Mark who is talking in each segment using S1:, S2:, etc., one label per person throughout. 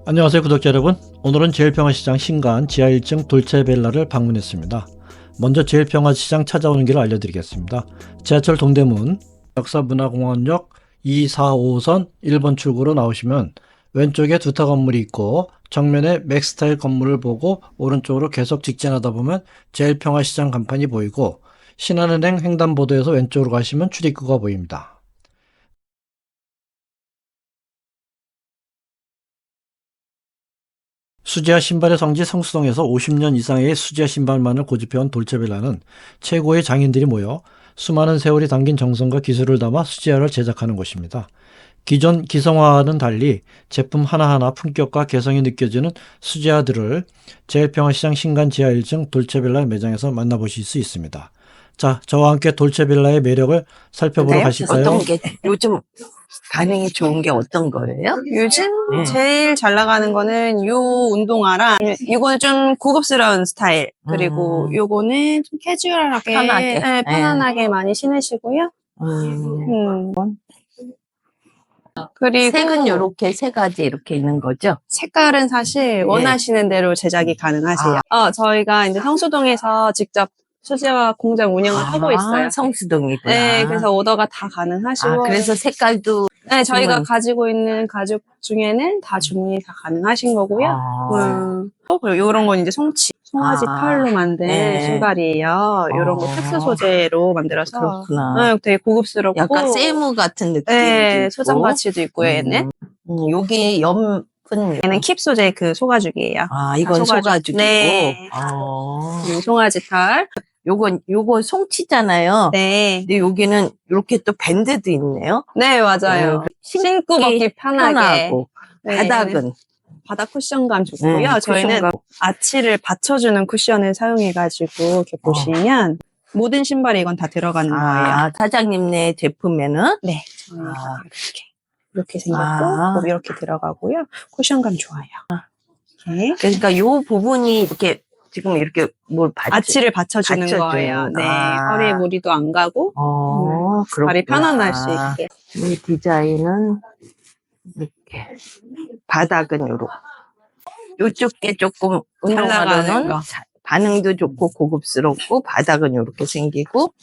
S1: 안녕하세요 구독자 여러분. 오늘은 제일평화시장 신간 지하 1층 돌체벨라를 방문했습니다. 먼저 제일평화시장 찾아오는 길을 알려드리겠습니다. 지하철 동대문 역사문화공원역 2, 4, 5호선 1번 출구로 나오시면 왼쪽에 두타 건물이 있고 정면에 맥스타일 건물을 보고 오른쪽으로 계속 직진하다 보면 제일평화시장 간판이 보이고 신한은행 횡단보도에서 왼쪽으로 가시면 출입구가 보입니다. 수제화 신발의 성지 성수동에서 50년 이상의 수제화 신발만을 고집해온 돌체벨라는 최고의 장인들이 모여 수많은 세월이 담긴 정성과 기술을 담아 수제화를 제작하는 곳입니다. 기존 기성화와는 달리 제품 하나하나 품격과 개성이 느껴지는 수제화들을 제일평화시장 신간 지하 1층 돌체벨라 매장에서 만나보실 수 있습니다. 자, 저와 함께 돌체벨라의 매력을 살펴보러
S2: 네?
S1: 가실까요?
S2: 어떤 게 요즘 반응이 좋은 게 어떤 거예요?
S3: 요즘
S2: 네.
S3: 제일 잘 나가는 거는 요 운동화랑 이거는 좀 고급스러운 스타일 그리고 요거는 좀 캐주얼하게
S2: 편하게.
S3: 네, 편안하게 많이 신으시고요.
S2: 음.
S3: 그리고
S2: 색은 요렇게 세 가지 이렇게 있는 거죠?
S3: 색깔은 사실 원하시는 대로 제작이 가능하세요. 저희가 이제 성수동에서 직접 수제화 공장 운영을 하고 있어요.
S2: 성수동이구나.
S3: 네, 그래서 오더가 다 가능하시고.
S2: 그래서 색깔도
S3: 네, 저희가
S2: 주문.
S3: 가지고 있는 가죽 중에는 다 주문이 다 가능하신 거고요. 그리고 요런 건 이제 송아지 털로 만든 신발이에요. 요런 거 특수 소재로 만들어서.
S2: 그렇구나.
S3: 네, 되게 고급스럽고.
S2: 약간 세무 같은 느낌도
S3: 네,
S2: 있고.
S3: 소장 가치도 있고요, 얘는.
S2: 요게 연분.
S3: 얘는 킵 소재 그 소가죽이에요.
S2: 이건 소가죽이고.
S3: 네. 송아지 털.
S2: 요거 송치잖아요.
S3: 네.
S2: 근데 여기는 이렇게 또 밴드도 있네요.
S3: 네, 맞아요. 신고 먹기 편하고. 네.
S2: 바닥은?
S3: 바닥 쿠션감 좋고요. 저희는 아치를 받쳐주는 쿠션을 사용해가지고 이렇게 보시면 모든 신발에 이건 다 들어가는 거예요.
S2: 사장님네 제품에는?
S3: 네. 이렇게 생겼고 뭐 이렇게 들어가고요. 쿠션감 좋아요. 이렇게.
S2: 그러니까 요 부분이 이렇게 지금 이렇게
S3: 아치를 받쳐주는 거예요. 네. 허리에 무리도 안 가고 발이 편안할 수 있게.
S2: 이 디자인은 이렇게 바닥은 요렇게 요쪽 게 조금 운동화로는 반응도 좋고 고급스럽고 바닥은 요렇게 생기고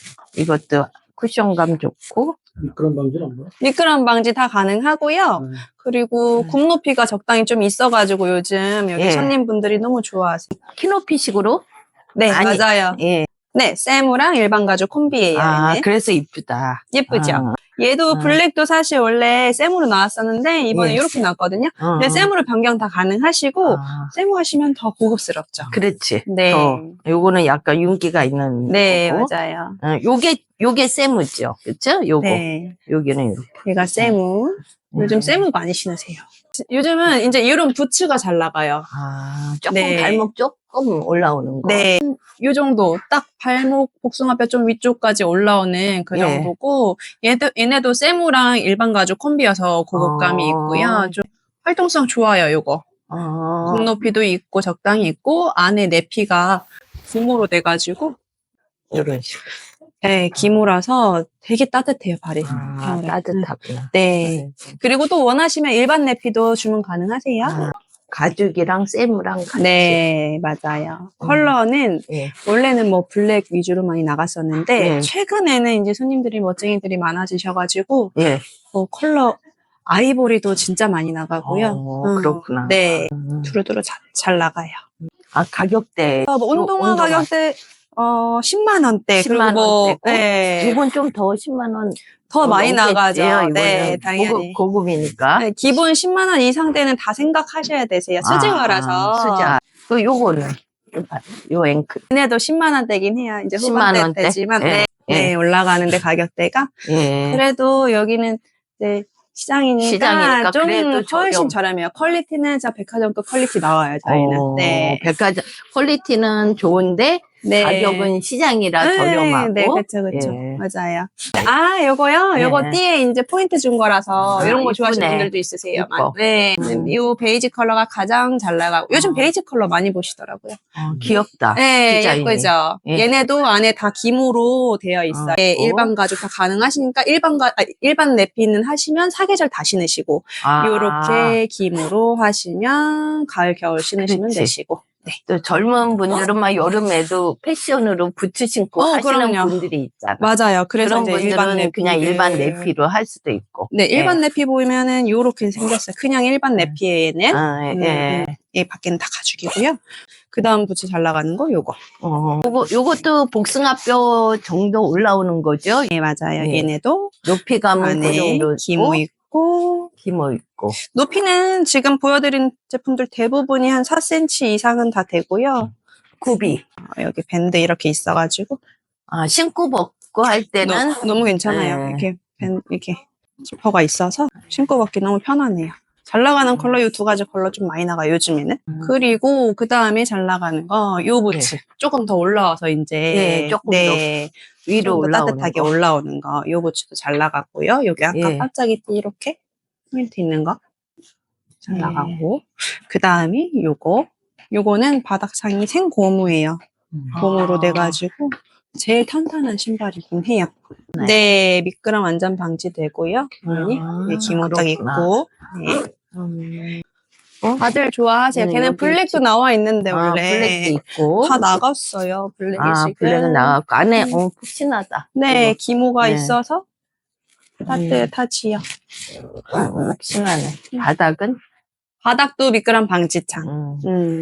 S2: 이것도 쿠션감 좋고
S1: 미끄럼 방지는 없나요?
S3: 미끄럼 방지 다 가능하고요. 그리고 굽 높이가 적당히 좀 있어가지고 요즘 여기 손님분들이 너무 좋아하세요.
S2: 키높이식으로?
S3: 네, 맞아요. 네, 세무랑 일반 가죽 콤비예요. 얘는.
S2: 그래서 이쁘다.
S3: 예쁘죠? 얘도 블랙도 사실 원래 세무로 나왔었는데 이번에 이렇게 나왔거든요. 근데 세무로 변경 다 가능하시고 세무 하시면 더 고급스럽죠.
S2: 그렇지.
S3: 네.
S2: 요거는 약간 윤기가 있는
S3: 네,
S2: 거고.
S3: 맞아요.
S2: 요게 세무죠. 그쵸? 요거.
S3: 네.
S2: 여기는 이렇게.
S3: 얘가 세무. 요즘 세무 많이 신으세요. 요즘은 이제 이런 부츠가 잘 나가요.
S2: 조금 발목 조금 올라오는 거.
S3: 네. 요 정도 딱 발목 복숭아뼈 좀 위쪽까지 올라오는 그 정도고 얘네도 세무랑 일반 가죽 콤비여서 고급감이 있고요. 좀 활동성 좋아요, 요거. 굽 높이도 있고 적당히 있고 안에 내피가 기모로 돼가지고
S2: 이런 식으로.
S3: 네, 기모라서 되게 따뜻해요, 발이.
S2: 따뜻하구나.
S3: 네. 그리고 또 원하시면 일반 내피도 주문 가능하세요.
S2: 가죽이랑 세무랑 같이.
S3: 네, 맞아요. 컬러는 원래는 뭐 블랙 위주로 많이 나갔었는데 최근에는 이제 손님들이 멋쟁이들이 많아지셔가지고 뭐 컬러 아이보리도 진짜 많이 나가고요.
S2: 그렇구나.
S3: 네, 두루두루 잘 나가요.
S2: 가격대.
S3: 뭐 운동화 가격대 10만 원대.
S2: 10만 원대. 이건 좀 더 10만 원.
S3: 더 많이 나가죠.
S2: 네,
S3: 당연히.
S2: 고급이니까.
S3: 네, 기본 10만 원 이상 때는 다 생각하셔야 되세요. 수제화라서.
S2: 수제화. 요거는 요 앵클.
S3: 얘네도 10만 원대긴 해요. 이제
S2: 10만 원대?
S3: 후반대지만 올라가는데 가격대가. 그래도 여기는 이제 시장이니까 좀 훨씬 저렴해요. 퀄리티는 백화점급 퀄리티 나와요, 저희는.
S2: 백화점 퀄리티는 좋은데
S3: 네.
S2: 가격은 시장이라
S3: 네,
S2: 저렴하고.
S3: 네, 그쵸, 그쵸.
S2: 예.
S3: 맞아요. 아, 요거요?
S2: 네.
S3: 요거 띠에 이제 포인트 준 거라서
S2: 아,
S3: 이런 거 좋아하시는
S2: 이쁘네.
S3: 분들도 있으세요.
S2: 이뻐.
S3: 네. 요 베이지 컬러가 가장 잘 나가고, 요즘 베이지 컬러 많이 보시더라고요.
S2: 귀엽다.
S3: 네,
S2: 디자인이.
S3: 예쁘죠?
S2: 예.
S3: 얘네도 안에 다 기모로 되어 있어요. 네,
S2: 있고.
S3: 일반 가죽 다 가능하시니까 일반 내피는 하시면 사계절 다 신으시고, 요렇게 기모로 하시면 가을, 겨울 신으시면
S2: 그렇지.
S3: 되시고. 네.
S2: 또 젊은 분들은 막 여름에도 패션으로 부츠 신고 하시는
S3: 그럼요.
S2: 분들이 있잖아.
S3: 맞아요. 그래서
S2: 그런
S3: 이제
S2: 분들은
S3: 일반 내피
S2: 그냥 일반 내피로 할 수도 있고.
S3: 네, 일반
S2: 예.
S3: 내피 보면은 요렇게 생겼어요. 그냥 일반 내피에 얘는.
S2: 아, 예.
S3: 얘 밖에는 다 가죽이고요. 그 다음 부츠 잘 나가는 거 요거.
S2: 요것도 복숭아뼈 정도 올라오는 거죠?
S3: 네, 맞아요.
S2: 예.
S3: 얘네도
S2: 높이감은 그
S3: 안에
S2: 정도
S3: 기모 있고.
S2: 기모 있고.
S3: 높이는 지금 보여드린 제품들 대부분이 한 4cm 이상은 다 되고요.
S2: 굽이.
S3: 여기 밴드 이렇게 있어가지고.
S2: 신고 벗고 할 때는.
S3: 너무 괜찮아요.
S2: 예.
S3: 이렇게 지퍼가 있어서 신고 벗기 너무 편하네요. 잘 나가는 컬러 요 두 가지 컬러 좀 많이 나가요, 요즘에는. 그리고 그 다음에 잘 나가는 거 요 부츠. 조금 더 올라와서 이제
S2: 예, 조금 더 위로
S3: 좀 더
S2: 올라오는
S3: 따뜻하게
S2: 거.
S3: 올라오는 거. 요 부츠도 잘 나가고요. 여기 아까
S2: 예.
S3: 반짝이 이렇게 포인트 있는 거 잘
S2: 예.
S3: 나가고. 그 다음에 요거는 바닥창이 생고무예요. 고무로 돼가지고 제일 탄탄한 신발이긴 해요. 네, 미끄럼 완전 방지되고요. 네, 기모 딱 있고. 네. 다들 좋아하세요. 걔는
S2: 여기
S3: 블랙도 나와 있는데 원래
S2: 블랙도 있고.
S3: 다 나갔어요. 블랙이 지금.
S2: 블랙은 나갔고 안에 푹신하다.
S3: 네,
S2: 이거.
S3: 기모가
S2: 네.
S3: 있어서 따뜻하지요.
S2: 푹신하네. 바닥은
S3: 바닥도 미끄럼 방지창.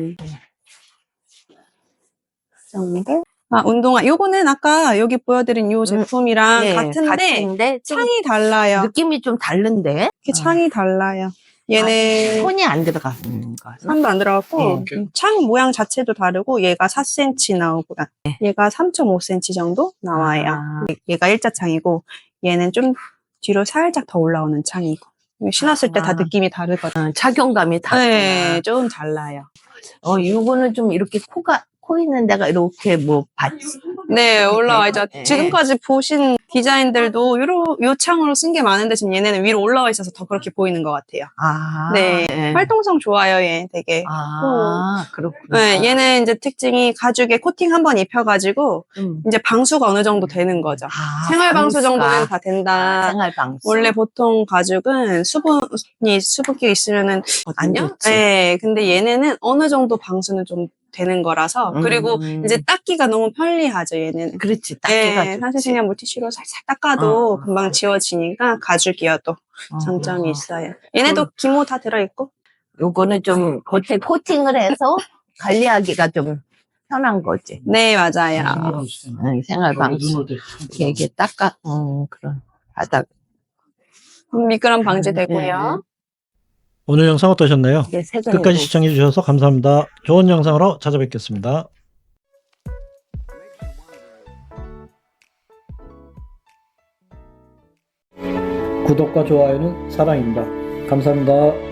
S3: 정도. 운동화. 요거는 아까 여기 보여드린 요 제품이랑
S2: 예,
S3: 같은데 창이 달라요.
S2: 느낌이 좀 다른데.
S3: 이렇게 창이 달라요. 얘는
S2: 손이 안 들어가.
S3: 선도 안 들어갔고 창 모양 자체도 다르고 얘가 4cm 나오고 얘가 3.5cm 정도 나와요. 얘가 일자창이고 얘는 좀 뒤로 살짝 더 올라오는 창이고 신었을 때 다 느낌이 다르거든요.
S2: 착용감이 다르구나.
S3: 네, 좀 달라요.
S2: 이거는 좀 이렇게 코 있는 데가 이렇게 받치.
S3: 네, 올라와 있죠.
S2: 네.
S3: 지금까지 보신 디자인들도 요 창으로 쓴 게 많은데 지금 얘네는 위로 올라와 있어서 더 그렇게 보이는 것 같아요. 네, 활동성 좋아요, 얘 되게.
S2: 그렇구나.
S3: 네, 얘는 이제 특징이 가죽에 코팅 한번 입혀가지고 이제 방수가 어느 정도 되는 거죠. 생활 방수 정도는 다 된다.
S2: 생활 방수.
S3: 원래 보통 가죽은 수분기 있으면은
S2: 안 좋지.
S3: 네, 근데 얘네는 어느 정도 방수는 좀 되는 거라서 그리고 이제 닦기가 너무 편리하죠, 얘는.
S2: 그렇지, 닦기가 좋지.
S3: 사실 그냥 물티슈로 살살 닦아도 금방 지워지니까 가죽이어도 장점이 있어요. 얘네도 기모 다 들어있고.
S2: 요거는 좀 겉에 코팅을 해서 관리하기가 좀 편한 거지.
S3: 네, 맞아요.
S2: 생활 방수. 이렇게 닦아, 그런 바닥.
S3: 미끄럼 방지되고요.
S1: 오늘 영상 어떠셨나요? 끝까지 시청해 주셔서 감사합니다. 좋은 영상으로 찾아뵙겠습니다. 구독과 좋아요는 사랑입니다. 감사합니다.